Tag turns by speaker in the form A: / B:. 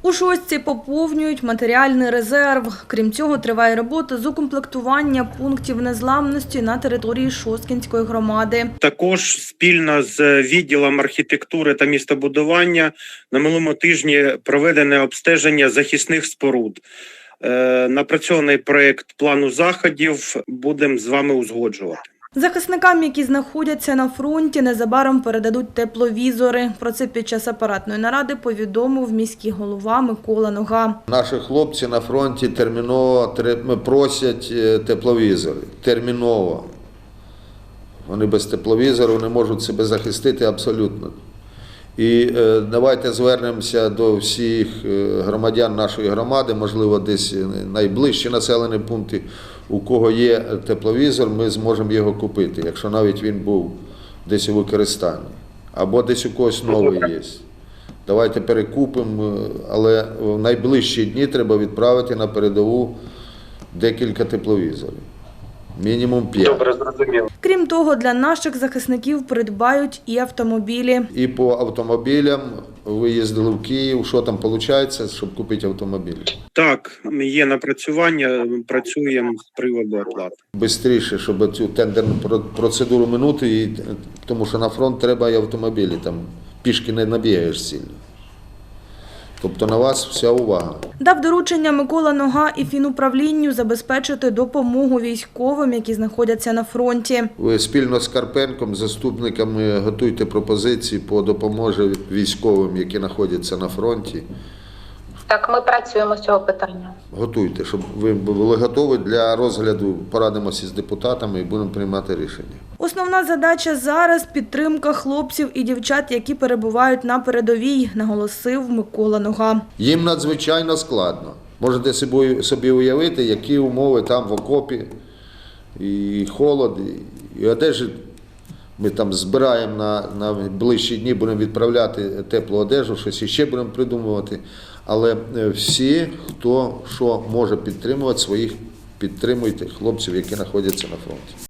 A: У Шостці поповнюють матеріальний резерв. Крім цього, триває робота з укомплектування пунктів незламності на території Шосткінської громади.
B: Також спільно з відділом архітектури та містобудування на минулому тижні проведене обстеження захисних споруд. Напрацьований проєкт плану заходів будемо з вами узгоджувати.
A: Захисникам, які знаходяться на фронті, незабаром передадуть тепловізори. Про це під час апаратної наради повідомив міський голова Микола Нога.
C: Наші хлопці на фронті терміново просять тепловізори. Терміново. Вони без тепловізору не можуть себе захистити абсолютно. І давайте звернемося до всіх громадян нашої громади, можливо, десь найближчі населені пункти, у кого є тепловізор, ми зможемо його купити, якщо навіть він був десь у використанні. Або десь у когось новий є. Давайте перекупимо, але в найближчі дні треба відправити на передову декілька тепловізорів. Мінімум 5.
B: Добре, зрозуміло.
A: Крім того, для наших захисників придбають і автомобілі.
C: І по автомобілям ви їздили в Київ, що там виходить, щоб купити автомобіль?
B: Так, є напрацювання, працюємо з приводу оплати.
C: Бистріше, щоб цю тендерну процедуру минути, тому що на фронт треба і автомобілі, там пішки не набігаєш сильно. Тобто на вас вся увага.
A: Дав доручення Микола Нога і фінуправлінню забезпечити допомогу військовим, які знаходяться на фронті.
C: Ви спільно з Карпенком, заступниками, готуйте пропозиції по допомозі військовим, які знаходяться на фронті.
D: Так, ми працюємо з цього питання.
C: Готуйте, щоб ви були готові для розгляду, порадимося з депутатами і будемо приймати рішення.
A: Основна задача зараз – підтримка хлопців і дівчат, які перебувають на передовій, наголосив Микола Нога.
C: Їм надзвичайно складно. Можете собі уявити, які умови там в окопі, і холод, і одежі. Ми там збираємо на ближчі дні, будемо відправляти теплу одежу, щось іще будемо придумувати. Але всі, хто що може підтримувати своїх, підтримуйте хлопців, які знаходяться на фронті.